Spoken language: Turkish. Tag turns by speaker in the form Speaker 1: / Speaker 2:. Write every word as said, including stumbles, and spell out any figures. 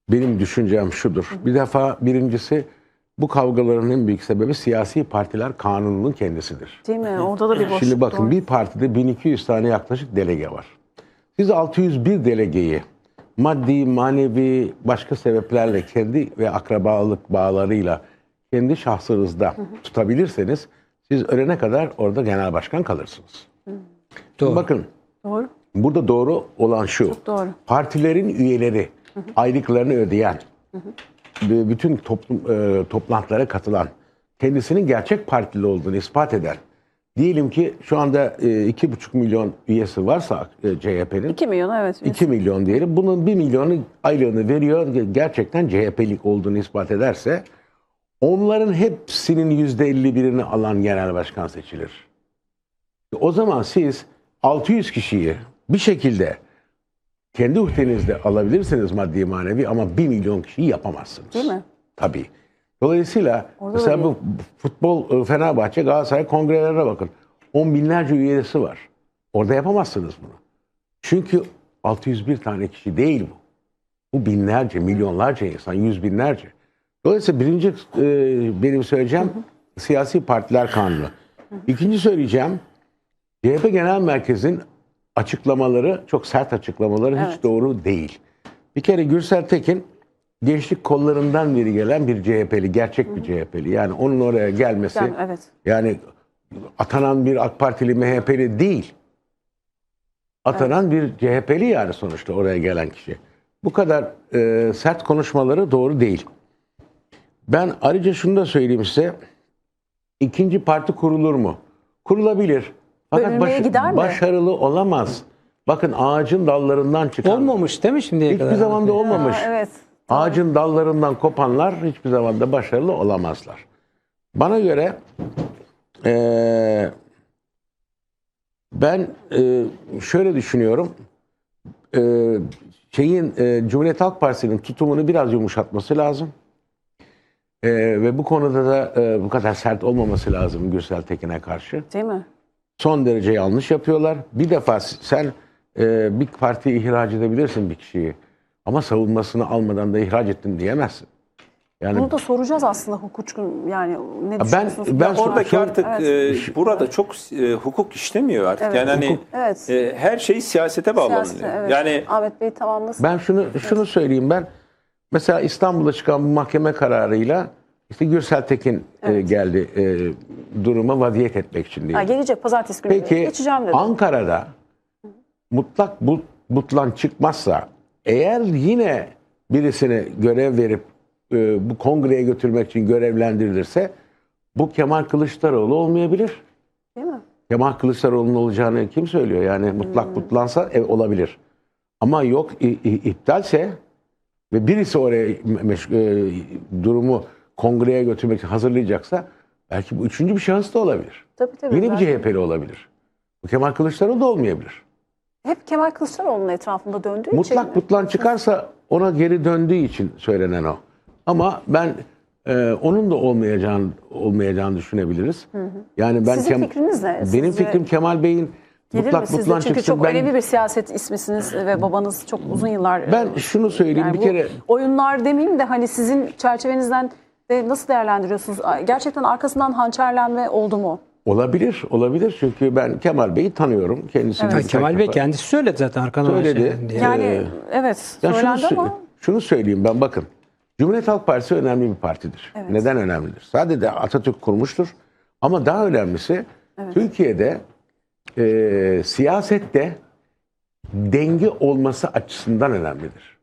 Speaker 1: Benim düşüncem şudur. Bir defa birincisi bu kavgaların en büyük sebebi siyasi partiler kanununun kendisidir.
Speaker 2: Değil mi? Orada da bir boşluk.
Speaker 1: Şimdi bakın
Speaker 2: doğru.
Speaker 1: bir partide bin iki yüz tane yaklaşık delege var. Siz altı yüz bir delegeyi maddi, manevi, başka sebeplerle kendi ve akrabalık bağlarıyla kendi şahsınızda tutabilirseniz siz ölene kadar orada genel başkan kalırsınız.
Speaker 3: Doğru.
Speaker 1: Bakın
Speaker 2: Doğru.
Speaker 1: burada doğru olan şu.
Speaker 2: Çok doğru.
Speaker 1: Partilerin üyeleri aylıklarını ödeyen, ve bütün toplum, e, toplantılara katılan, kendisinin gerçek partili olduğunu ispat eden, diyelim ki şu anda e, iki buçuk milyon üyesi varsa e, C H P'nin,
Speaker 2: iki milyon evet.
Speaker 1: iki milyon diyelim, bunun bir milyonu aylığını veriyor, gerçekten C H P'lik olduğunu ispat ederse, onların hepsinin yüzde elli birini alan genel başkan seçilir. O zaman siz altı yüz kişiyi bir şekilde kendi uhdenizde alabilirsiniz maddi manevi ama bir milyon kişiyi yapamazsınız.
Speaker 2: Değil mi?
Speaker 1: Tabii. Dolayısıyla
Speaker 2: Orada
Speaker 1: mesela
Speaker 2: da
Speaker 1: bu futbol, Fenerbahçe, Galatasaray kongrelerine bakın. On binlerce üyesi var. Orada yapamazsınız bunu. Çünkü altı yüz bir tane kişi değil bu. Bu binlerce, milyonlarca insan, yüz binlerce. Dolayısıyla birinci e, benim söyleyeceğim hı hı. siyasi partiler kanunu. Hı hı. İkinci söyleyeceğim C H P Genel Merkez'in açıklamaları, çok sert açıklamaları
Speaker 2: evet.
Speaker 1: hiç doğru değil. Bir kere Gürsel Tekin gençlik kollarından biri gelen bir C H P'li, gerçek Hı-hı. bir C H P'li. Yani onun oraya gelmesi,
Speaker 2: yani, evet.
Speaker 1: yani atanan bir AK Partili, M H P'li değil. Atanan evet. bir C H P'li yani sonuçta oraya gelen kişi. Bu kadar e, sert konuşmaları doğru değil. Ben ayrıca şunu da söyleyeyim size. İkinci parti kurulur mu? Kurulabilir. Fakat baş, başarılı olamaz. Bakın ağacın dallarından çıkan...
Speaker 3: Olmamış değil mi şimdiye
Speaker 1: hiçbir
Speaker 3: kadar?
Speaker 1: Hiçbir zaman da olmamış.
Speaker 2: Ha, evet.
Speaker 1: Ağacın dallarından kopanlar hiçbir zaman da başarılı olamazlar. Bana göre ee, ben e, şöyle düşünüyorum. E, şeyin e, Cumhuriyet Halk Partisi'nin tutumunu biraz yumuşatması lazım. E, ve bu konuda da e, bu kadar sert olmaması lazım Gürsel Tekin'e karşı.
Speaker 2: Değil mi?
Speaker 1: Son derece yanlış yapıyorlar. Bir defa sen e, bir partiyi ihraç edebilirsin bir kişiyi. Ama savunmasını almadan da ihraç ettin diyemezsin. Yani
Speaker 2: bunu da soracağız aslında hukukçu yani ne düşünüyorsunuz?
Speaker 1: Ben, ben
Speaker 4: oradaki
Speaker 1: son,
Speaker 4: artık
Speaker 2: evet.
Speaker 4: e, burada çok e, hukuk işlemiyor artık.
Speaker 2: Evet.
Speaker 4: Yani hani
Speaker 2: hukuk, evet.
Speaker 4: e, her şey siyasete bağlanıyor.
Speaker 2: Siyasete, evet.
Speaker 4: Yani
Speaker 2: Ahmet Bey tamamlasın.
Speaker 1: Ben şunu şunu evet. söyleyeyim ben. Mesela İstanbul'da çıkan bu mahkeme kararıyla işte Gürsel Tekin evet. e, geldi e, duruma vaziyet etmek için diye.
Speaker 2: Ha, gelecek pazartesi günü
Speaker 1: Peki,
Speaker 2: geçeceğim dedi.
Speaker 1: Ankara'da mutlak but, butlan çıkmazsa eğer yine birisine görev verip e, bu kongreye götürmek için görevlendirilirse bu Kemal Kılıçdaroğlu olmayabilir.
Speaker 2: Değil mi?
Speaker 1: Kemal Kılıçdaroğlu'nun olacağını kim söylüyor? Yani mutlak hmm. butlansa ev olabilir. Ama yok i, i, iptalse ve birisi oraya e, durumu kongreye götürmek için hazırlayacaksa belki bu üçüncü bir şahıs da olabilir.
Speaker 2: Tabii, tabii,
Speaker 1: Yine bir
Speaker 2: belki.
Speaker 1: C H P'li olabilir. Bu Kemal Kılıçdaroğlu da olmayabilir.
Speaker 2: Hep Kemal Kılıçdaroğlu'nun etrafında döndüğü
Speaker 1: Mutlak
Speaker 2: için
Speaker 1: Mutlak butlan çıkarsa ona geri döndüğü için söylenen o. Ama ben e, onun da olmayacağını olmayacağını düşünebiliriz. Hı hı. Yani ben
Speaker 2: Sizin Kem fikriniz ne?
Speaker 1: Benim
Speaker 2: Sizce
Speaker 1: fikrim Kemal Bey'in mutlak butlan
Speaker 2: Çünkü
Speaker 1: çıksın.
Speaker 2: çok
Speaker 1: ben,
Speaker 2: önemli bir siyaset ismisiniz ve babanız çok uzun yıllar.
Speaker 1: Ben şunu söyleyeyim
Speaker 2: yani
Speaker 1: bir kere.
Speaker 2: Oyunlar demeyeyim de hani sizin çerçevenizden de nasıl değerlendiriyorsunuz? Gerçekten arkasından hançerlenme oldu mu?
Speaker 1: Olabilir, olabilir. Çünkü ben Kemal Bey'i tanıyorum. Kendisini
Speaker 2: evet.
Speaker 3: Kemal Bey kendisi söyledi zaten arkadan.
Speaker 1: Söyledi.
Speaker 3: Diye.
Speaker 2: Yani
Speaker 1: ee,
Speaker 2: evet
Speaker 1: ya
Speaker 2: söylendi
Speaker 1: şunu,
Speaker 2: ama.
Speaker 1: Şunu söyleyeyim ben bakın. Cumhuriyet Halk Partisi önemli bir partidir.
Speaker 2: Evet.
Speaker 1: Neden önemlidir? Sadece Atatürk kurmuştur. Ama daha önemlisi evet. Türkiye'de e, siyasette denge olması açısından önemlidir.